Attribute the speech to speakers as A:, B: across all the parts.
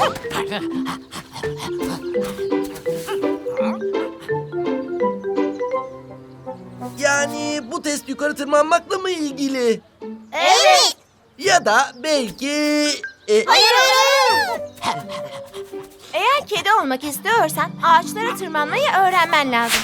A: Yani bu test yukarı tırmanmakla mı ilgili?
B: Evet.
A: Ya da belki...
B: Hayır.
C: Eğer kedi olmak istiyorsan ağaçlara tırmanmayı öğrenmen lazım.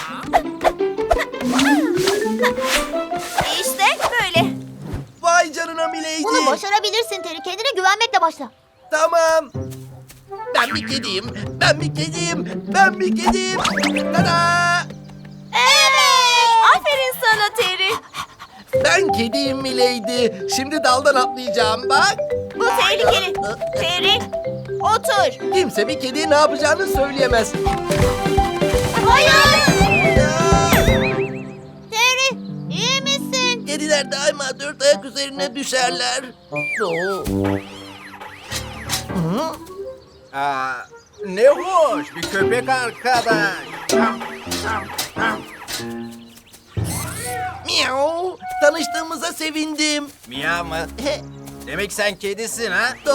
C: İşte böyle.
A: Vay canına Milady.
B: Bunu başarabilirsin Terry. Kendine güvenmekle başla.
A: Tamam. Ben bir kediyim. Ben bir kediyim. Ben bir kediyim. Tada!
C: Evet. Aferin sana Terry.
A: Ben kediyim Milady. Şimdi daldan atlayacağım bak.
C: Bu tehlikeli. Terry, otur.
A: Kimse bir kediye ne yapacağını söyleyemez.
C: Hayır.
B: Terry, iyi misin?
A: Kediler daima dört ayak üzerine düşerler. Oo.
D: Ne hoş bir köpek arkadaş.
A: Miau. Tanıştığımıza sevindim.
D: Miyav mı? Demek sen kedisin ha?
A: Do.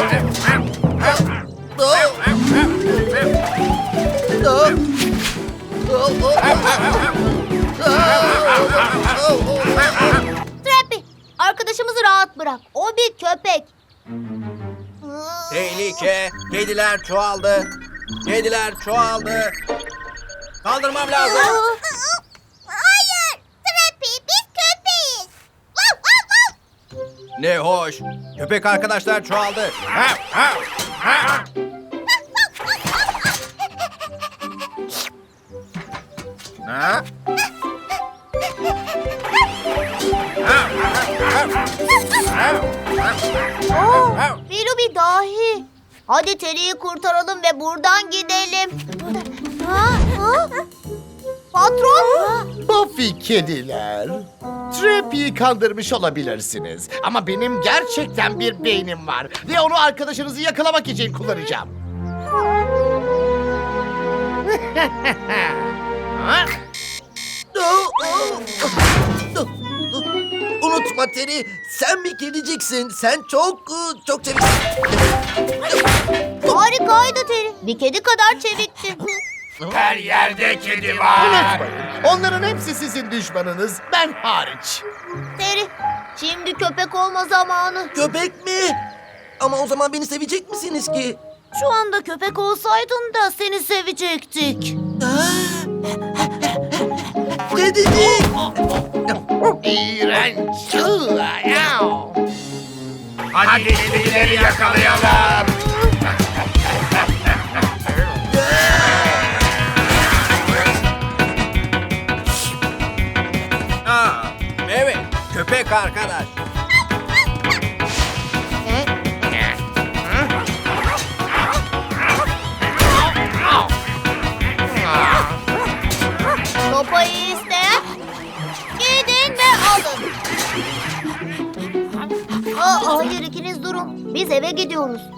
A: Do. Do.
B: Trappy, arkadaşımızı rahat bırak. O bir köpek.
D: Tehlike. Kediler çoğaldı. Kediler çoğaldı. Kaldırmam lazım.
B: Hayır, Trappy, biz köpeğiz.
D: Ne hoş. Köpek arkadaşlar çoğaldı. Ha?
B: Filu bir dahi. Hadi Terry'i kurtaralım ve buradan gidelim. Ha? Patron?
E: Buffy kediler. Trappy'yi kandırmış olabilirsiniz. Ama benim gerçekten bir beynim var. Ve onu arkadaşınızı yakalamak için kullanacağım.
A: Unutma Terry, sen bir kediciksin. Sen çok çevik.
B: Harikaydı Terry. Bir kedi kadar çevikti.
D: Her yerde kedi var.
E: Unutmayın, onların hepsi sizin düşmanınız, ben hariç.
B: Terry, şimdi köpek olma zamanı.
A: Köpek mi? Ama o zaman beni sevecek misiniz ki?
B: Şu anda köpek olsaydın da seni sevecektik.
A: Kedicik!
E: İğrenç.
D: Hadi kedileri yakalayalım. Evet, köpek arkadaş.
B: Sopayı isteyen gidin ve alın. Hayır ikiniz durun. Biz eve gidiyoruz.